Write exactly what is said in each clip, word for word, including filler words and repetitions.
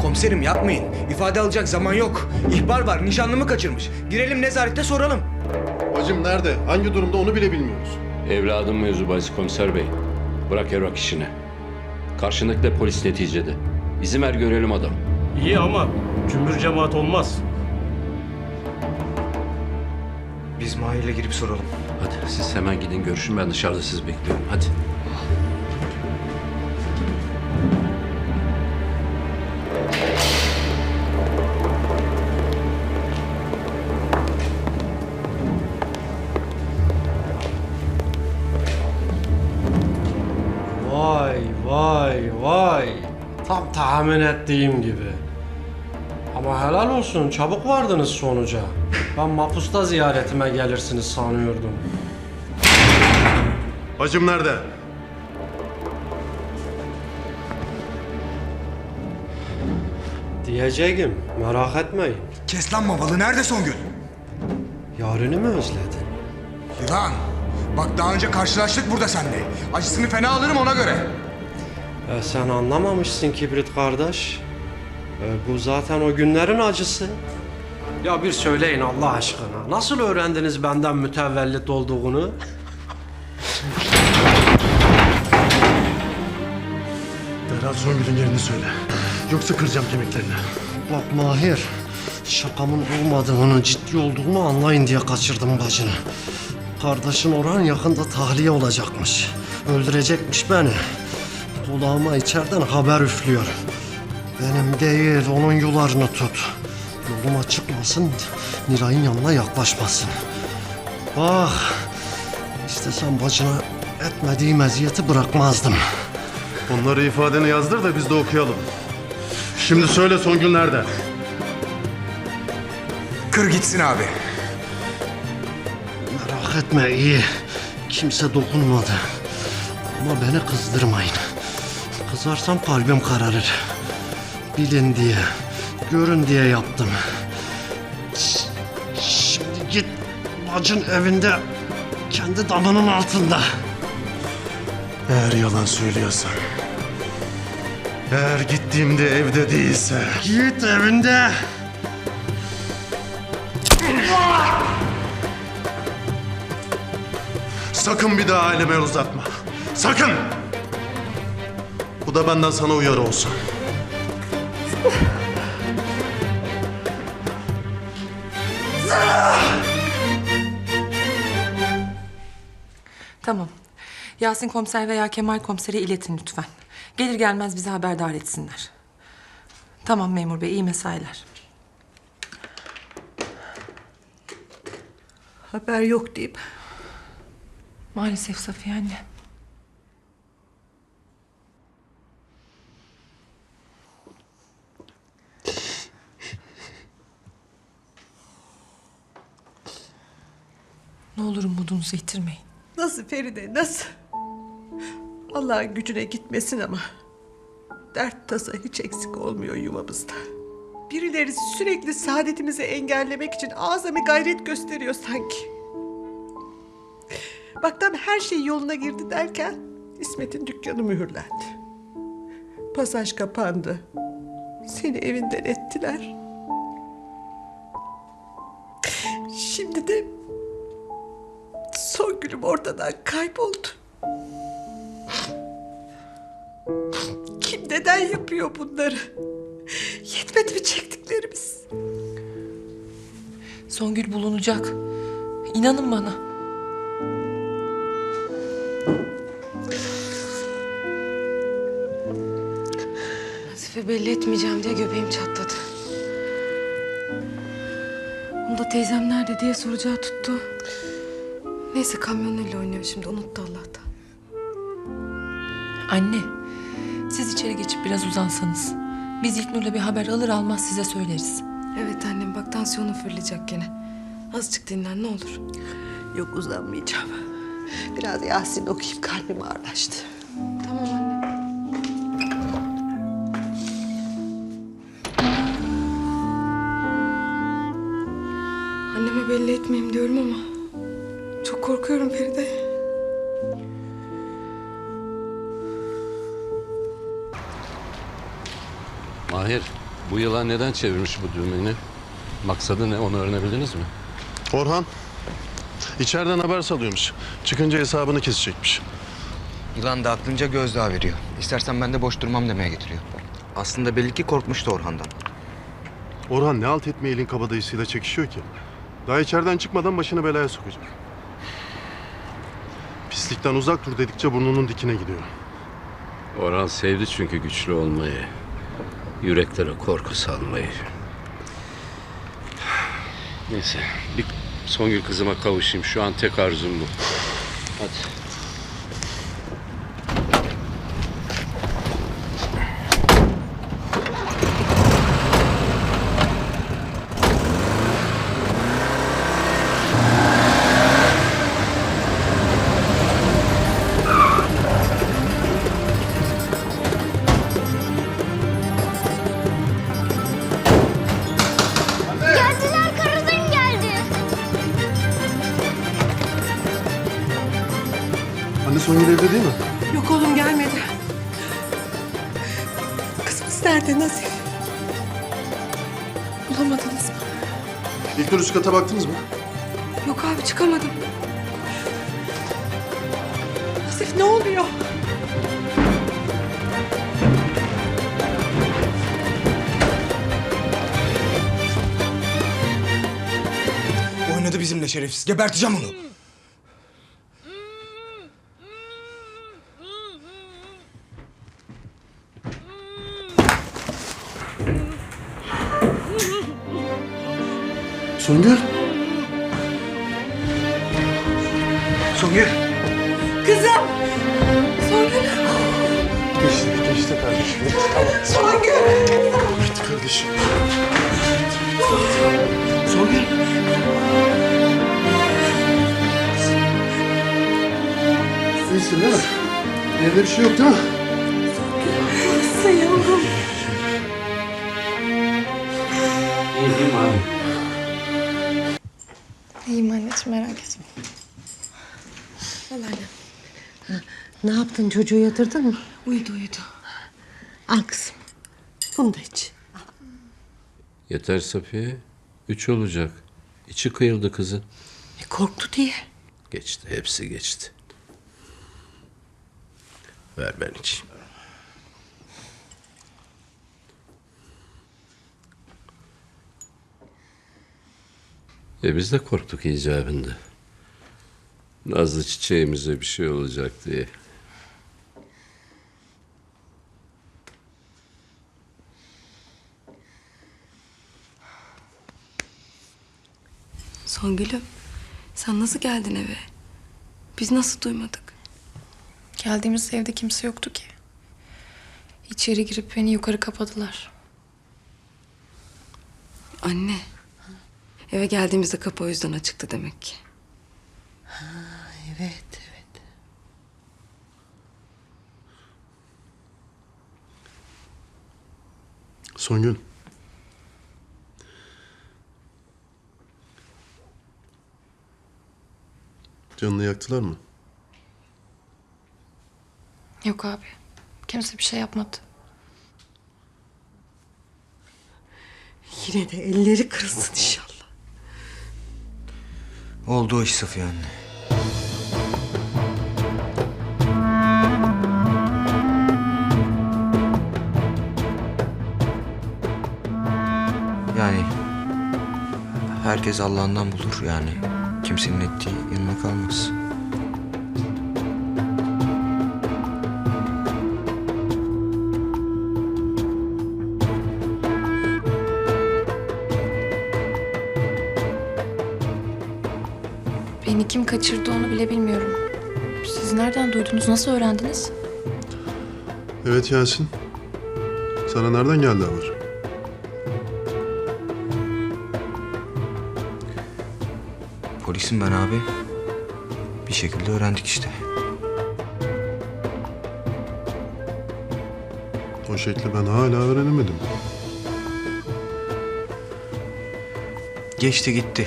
Komiserim yapmayın. İfade alacak zaman yok. İhbar var. Nişanlımı kaçırmış. Girelim nezarette soralım. Bacım nerede? Hangi durumda onu bile bilmiyoruz. Evladım mevzu bahis komiser bey. Bırak evrak işini. Karşındaki de polis neticede. İzin ver görelim adam. İyi ama cümbür cemaat olmaz. Biz Mahir'le girip soralım. Hadi siz hemen gidin görüşün, ben dışarıda sizi bekliyorum. Hadi. Vay vay vay. Tam tahmin ettiğim gibi. Ama helal olsun, çabuk vardınız sonuca. Ben mapusta ziyaretime gelirsiniz sanıyordum. Bacım nerede? Diyeceğim, merak etmeyin. Kes lan mavalı. Nerede Songül? Yarını mı özledin? Yılan. Bak daha önce karşılaştık burada seninle. Acısını fena alırım ona göre. E, sen anlamamışsın Kibrit kardeş. E, bu zaten o günlerin acısı. Ya bir söyleyin Allah aşkına. Nasıl öğrendiniz benden mütevellit olduğunu? Derhal Songül'ün yerini söyle. Yoksa kıracağım kemiklerini. Bak Mahir, şakamın olmadığını, ciddi olduğunu anlayın diye kaçırdım bacını. Kardeşin Orhan yakında tahliye olacakmış. Öldürecekmiş beni. Kulağıma içeriden haber üflüyor. Benim değil, onun yularını tut. Yoluma çıkmasın, Nilay'ın yanına yaklaşmasın. Bak, istesem bacına etmediğim eziyeti bırakmazdım. Onları ifadeni yazdır da biz de okuyalım. Şimdi söyle Songül nerede? Kır gitsin abi. Merak etme iyi. Kimse dokunmadı. Ama beni kızdırmayın. Kızarsam kalbim kararır. Bilin diye, görün diye yaptım. Ş- Şimdi git bacın evinde, kendi damının altında. Eğer yalan söylüyorsan. Eğer gittiğimde evde değilse. Git evinde. Sakın bir daha aileme uzatma. Sakın! Bu da benden sana uyarı olsun. Tamam. Yasin komiser veya Kemal komisere iletin lütfen. Gelir gelmez bizi haberdar etsinler. Tamam memur bey, iyi mesailer. Haber yok deyip Maalesef Safiye anne. Ne olur umudunuzu yitirmeyin. nasıl Feride nasıl? Allah'ın gücüne gitmesin ama dert tasa hiç eksik olmuyor yuvamızda. Birileri sürekli saadetimizi engellemek için azami gayret gösteriyor sanki. Bak tam her şey yoluna girdi derken İsmet'in dükkanı mühürlendi. Pasaj kapandı. Seni evinden ettiler. Şimdi de Songül'üm ortadan kayboldu. Kim neden yapıyor bunları? Yetmedi mi çektiklerimiz? Songül bulunacak. İnanın bana. Nazife belli etmeyeceğim diye göbeğim çatladı. Onu da teyzem nerede diye soracağı tuttu. Neyse kamyonuyla oynuyor şimdi, unuttu Allah'tan. Anne, siz içeri geçip biraz uzansanız. Biz İlknur'la bir haber alır almaz size söyleriz. Evet annem, bak tansiyonun fırlayacak gene. Azıcık dinlen ne olur. Yok uzanmayacağım. Biraz Yasin okuyup kalbim ağırlaştı. Tamam anne. Anneme belli etmeyeyim diyorum ama çok korkuyorum Feride. Mahir, Bu yılan neden çevirmiş bu düğmeni? Maksadı ne, onu öğrenebildiniz mi? Orhan içeriden haber salıyormuş. Çıkınca hesabını kesecekmiş. Yılan da aklınca gözdağı veriyor. İstersen ben de boş durmam demeye getiriyor. Aslında belli ki korkmuştu Orhan'dan. Orhan ne alt etme elin kabadayısıyla çekişiyor ki? Daha içeriden çıkmadan başını belaya sokacak. Pislikten uzak dur dedikçe burnunun dikine gidiyor. Orhan sevdi çünkü güçlü olmayı. Yüreklere korku salmayı. Neyse, bir Songül kızıma kavuşayım. Şu an tek arzum bu. Hadi. Geldiler, karıdan geldi. Anne Songül evde değil mi? Yok oğlum gelmedi. Kızımız nerede Nazif? Bulamadınız mı? İlk üst kata baktınız mı? Yok abi çıkamadım. Nazif ne oluyor? Oynadı bizimle şerefsiz. Geberteceğim onu. Songül. Songül. Kızım! Songül. Geçti, geçti kardeşim. Songül! Geçti kardeşim. Songül. İyisin değil mi? Evde bir şey yok değil mi? Nasıl yavrum? İyiyim abi. İyiyim anneciğim, merak etme. Al anne. Ne yaptın, çocuğu yatırdın mı? Uyudu uyudu. Al kızım. Bunu da iç. Yeter Safiye. Üç olacak. İçi kıyıldı kızın. E, korktu diye. Geçti, hepsi geçti. Ver ben içeyim. E biz de korktuk icabında. Nazlı çiçeğimize bir şey olacak diye. Songül'üm, sen nasıl geldin eve? Biz nasıl duymadık? Geldiğimiz evde kimse yoktu ki. İçeri girip beni yukarı kapadılar. Anne, eve geldiğimizde kapı o yüzden açıktı demek ki. Evet, evet. Songül. Canını yaktılar mı? Yok abi. Kimse bir şey yapmadı. Yine de elleri kırılsın inşallah. Oldu o iş Safiye anne. Yani herkes Allah'ından bulur yani. Kimsenin ettiği yanına kalmaz. Beni kim kaçırdı onu bile bilmiyorum. Siz nereden duydunuz? Nasıl öğrendiniz? Evet Yasin. Sana nereden geldi haber? Polisim ben abi. Bir şekilde öğrendik işte. O şekli ben hala öğrenemedim. Geçti gitti.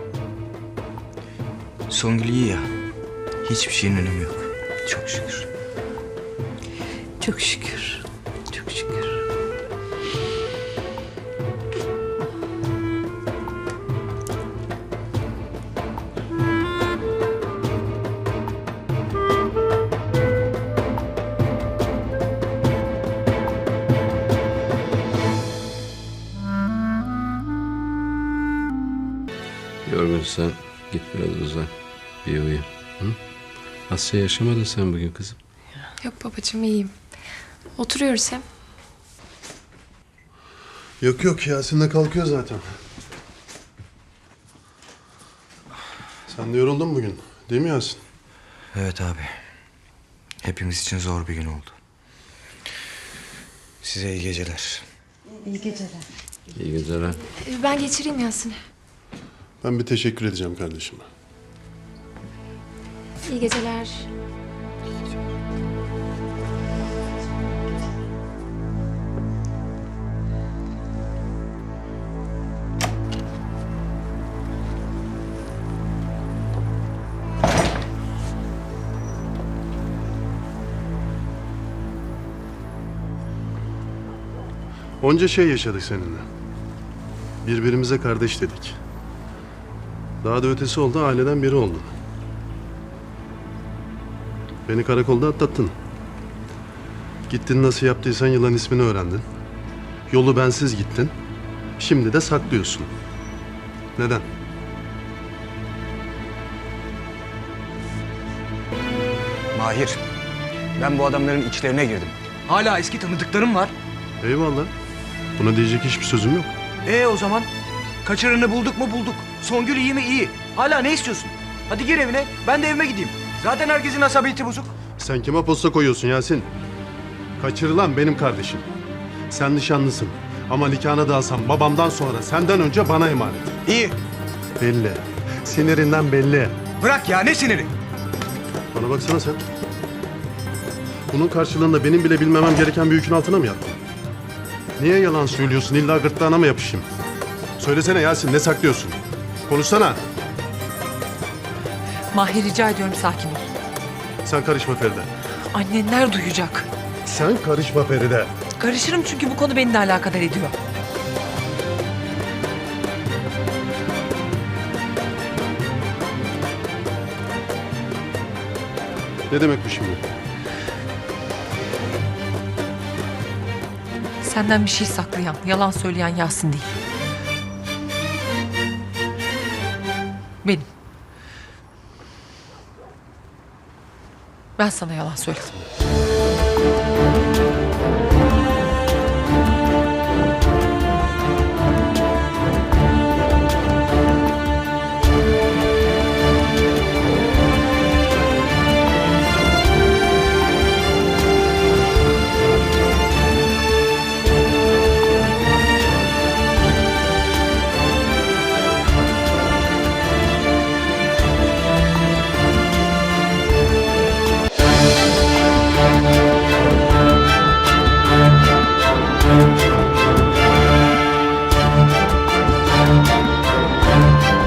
Songül iyi ya. Hiçbir şeyin önemi yok. Çok şükür. Çok şükür. Çok şükür. Yorgunsan git biraz uzan. Bir uyu. Hı? Asya yaşamadın sen bugün kızım. Yok babacığım iyiyim. Oturuyoruz hem. Yok yok Yasin de kalkıyor zaten. Sen de yoruldun bugün değil mi Yasin? Evet abi. Hepimiz için zor bir gün oldu. Size iyi geceler. İyi geceler. Ee, Ben geçireyim Yasin'i. Ben bir teşekkür edeceğim kardeşime. İyi geceler. Onca şey yaşadık seninle. Birbirimize kardeş dedik. Daha da ötesi oldu, aileden biri oldun. Beni karakolda atlattın. Gittin nasıl yaptıysan yılan ismini öğrendin. Yolu bensiz gittin. Şimdi de saklıyorsun. Neden? Mahir, ben bu adamların içlerine girdim. Hala eski tanıdıklarım var. Eyvallah. Buna diyecek hiçbir sözüm yok. E o zaman kaçıranı bulduk mu bulduk. Songül iyi mi iyi. Hala ne istiyorsun? Hadi gir evine, ben de evime gideyim. Zaten herkesin asabiyeti bozuk. Sen kime posta koyuyorsun Yasin? Kaçırılan benim kardeşim. Sen nişanlısın. Ama nikahını da alsam babamdan sonra senden önce bana emanet. İyi. Belli. Sinirinden belli. Bırak ya, ne siniri? Bana baksana sen. Bunun karşılığında benim bile bilmemem gereken bir yükün altına mı yattın? Niye yalan söylüyorsun? İlla gırtlağına mı yapışayım? Söylesene Yasin, ne saklıyorsun? Konuşsana. Mahir rica ediyorum sakin ol. Sen karışma Feride. Annenler duyacak. Sen karışma Feride. Karışırım çünkü bu konu beni de alakadar ediyor. Ne demek bu şimdi? Senden bir şey saklayan, yalan söyleyen Yasin değil. Benim. Ben sana yalan söyledim.